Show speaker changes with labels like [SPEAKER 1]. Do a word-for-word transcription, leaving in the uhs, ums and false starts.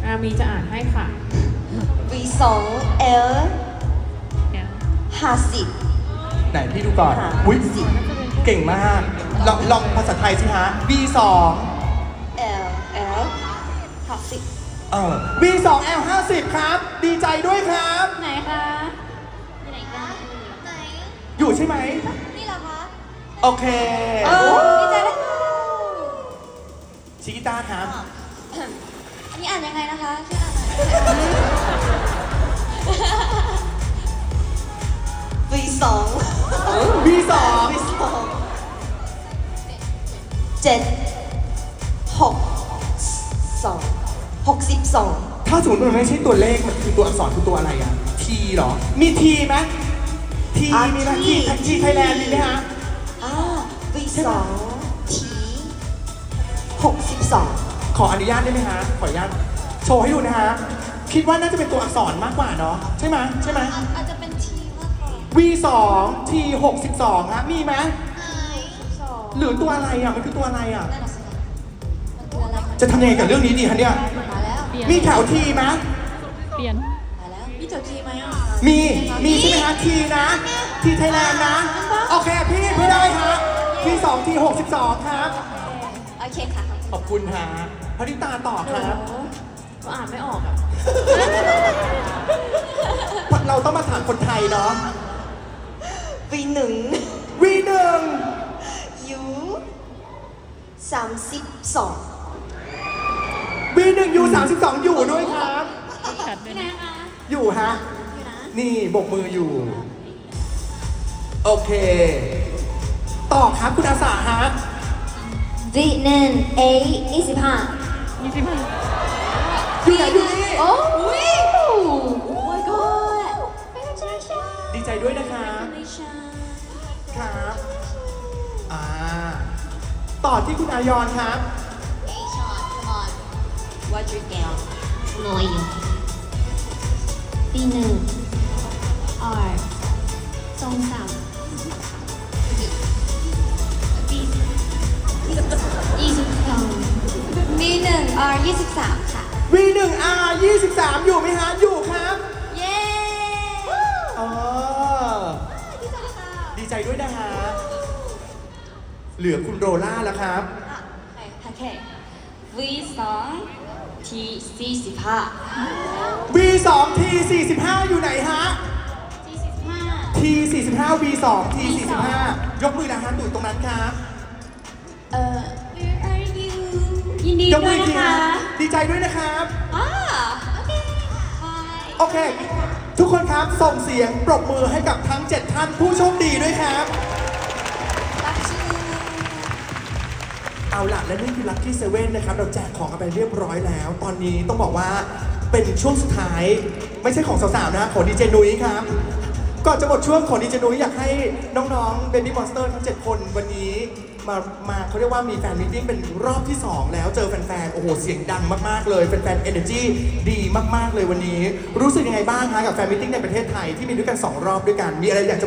[SPEAKER 1] อามีจะอ่านให้ค่ะ
[SPEAKER 2] วี สอง เอล ห้าสิบ
[SPEAKER 3] ไหนพี่ดูก่อน
[SPEAKER 2] ค่ะ
[SPEAKER 3] อุ๊ยเก่งมาก ลองลองภาษาไทยสิฮะ วี สอง
[SPEAKER 2] เอล เอล ห้าสิบ
[SPEAKER 3] เออ วี สอง แอล ห้าสิบ ครับ ดีใจด้วยครับ
[SPEAKER 1] ไหนคะ
[SPEAKER 2] ไหนกันไหน
[SPEAKER 3] อยู่ใช่ไหม
[SPEAKER 2] นี่เหรอคะ
[SPEAKER 3] โอเค
[SPEAKER 2] เออดีใจด้วยค่ะ
[SPEAKER 3] ชิกิต้าครับ
[SPEAKER 2] อันนี้อ่านยังไงนะคะช่วยอ่านหน่อยวี สอง
[SPEAKER 3] วี สอง
[SPEAKER 2] วี สอง เจ็ด หก สอง หกสิบสอง
[SPEAKER 3] ถ้าสมมติมันไม่ใช่ตัวเลข มันคือตัวอักษรคือตัวอะไรอะทีเหรอ มีทีไหมทีมีไหมทีทีไทยแลนด์มีไหมฮะ
[SPEAKER 2] อ่าวีสองทีหกสิบสอง
[SPEAKER 3] ขออนุญาตได้ไหมฮะ ขออนุญาตโชว์ให้ดูนะฮะ คิดว่าน่าจะเป็นตัวอักษรมากกว่าเนาะ ใช่ไหมใช่ไหม
[SPEAKER 2] อาจจะเป็นทีมากกว่า
[SPEAKER 3] วี สอง ที หกสิบสองฮะ มีไหม
[SPEAKER 2] สอง
[SPEAKER 3] หรือตัวอะไรอ่ะ มันคือตัวอะไรอ่ะ
[SPEAKER 2] นั่นน่ะสิมันคืออะไรคะ
[SPEAKER 3] จะทำยังไงกับเรื่องนี้ดีคะเนี่ย
[SPEAKER 2] มาแล้ว
[SPEAKER 3] มีแถวทีไหม
[SPEAKER 1] เปลี่ยน
[SPEAKER 2] มาแล้วมีตัวทีไหมอ่ะ
[SPEAKER 3] มี มีใช่ไหมฮะ ทีนะ ทีไทยแลนด์นะ โอเค พี่พี่ได้ฮะทีสองทีหกสิบสองครับ
[SPEAKER 2] โอเคค่ะ
[SPEAKER 3] ขอบคุณฮะพริตาต่อครับ
[SPEAKER 1] ก็อ่านไม่ออกอ่ะ
[SPEAKER 3] เราต้องมาถามคนไทยเนาะ
[SPEAKER 2] วีหนึ่ง
[SPEAKER 3] วีหนึ่ง
[SPEAKER 2] ยูสามสิบสอง
[SPEAKER 3] วีหนึ่งยูสามสิบสองอยู่ด้วยครับ
[SPEAKER 1] ชัดด้วยนะ
[SPEAKER 3] อยู่ฮะ
[SPEAKER 2] อยู่นะ
[SPEAKER 3] นี่บกมืออยู่ โอเค ต่อครับคุณอาสาฮะ
[SPEAKER 2] วีหนึ่งเอยี่สิบห้า
[SPEAKER 1] ยี่สิบห้า
[SPEAKER 3] อยู่ไหนอยู่นี่
[SPEAKER 2] โอ้วิโอ้ my god ไม่ใช่ใช่
[SPEAKER 3] ดีใจด้วยนะครับ
[SPEAKER 2] ไม่ใช่
[SPEAKER 3] ครับ อ่า ต่อที่คุณอายอนครับ
[SPEAKER 2] Hey Sean come on watch your down น้อยอยู่ปีหนึ่ง R สองสามปียี่สิบสองปีหนึ่ง R ยี่สิบสามค่ะ
[SPEAKER 3] วีหนึ่งอาร์ยี่สิบสามอยู่ไหมฮะ อยู่ครับ
[SPEAKER 2] เย้
[SPEAKER 3] อ๋อ ดีใจด้วยนะฮะ เหลือคุณโรล่าแล้วครับ
[SPEAKER 2] โอเค V สอง T สี่สิบห้า
[SPEAKER 3] วี สอง ที สี่สิบห้า อยู่ไหนฮะ
[SPEAKER 2] สี่สิบห้า
[SPEAKER 3] ที สี่สิบห้า วี สอง ที สี่สิบห้า ยกมือนะฮะอยู่ตรงนั้นครับ
[SPEAKER 2] เอ่อ Where are you ยินดี
[SPEAKER 3] ยก
[SPEAKER 2] ด้
[SPEAKER 3] มื
[SPEAKER 2] วย
[SPEAKER 3] อีก
[SPEAKER 2] นะ
[SPEAKER 3] ที
[SPEAKER 2] คะ
[SPEAKER 3] ฮะดีใจด้วยนะครับ
[SPEAKER 2] อ่าโอเค Bye
[SPEAKER 3] โอเค ทุกคนครับ ส่งเสียงปรบมือให้กับทั้ง เจ็ด ท่านผู้โชคดีด้วยครับ
[SPEAKER 2] รักชื่อ
[SPEAKER 3] เอาล่ะ และนี่คือ Lucky เซเว่น นะครับ เราแจกของกันไปเรียบร้อยแล้ว ตอนนี้ต้องบอกว่าเป็นช่วงสุดท้าย ไม่ใช่ของสาวๆ นะของดีเจนุ้ยครับ ก่อนจะหมดช่วงของดีเจนุ้ยอยากให้น้องๆ Baby Monster ทั้ง เจ็ด คนวันนี้มา มาเขาเรียกว่ามีแฟนมิทติ้งเป็นรอบที่ สอง แล้วเจอแฟนๆ โอ้โห เสียงดังมากๆ เลยแฟนๆ Energy ดีมากๆ เลยวันนี้ รู้สึกยังไงบ้างฮะกับแฟนมิทติ้งในประเทศไทยที่มีด้วยกันสองรอบด้วยกัน มีอะไรอยากจะ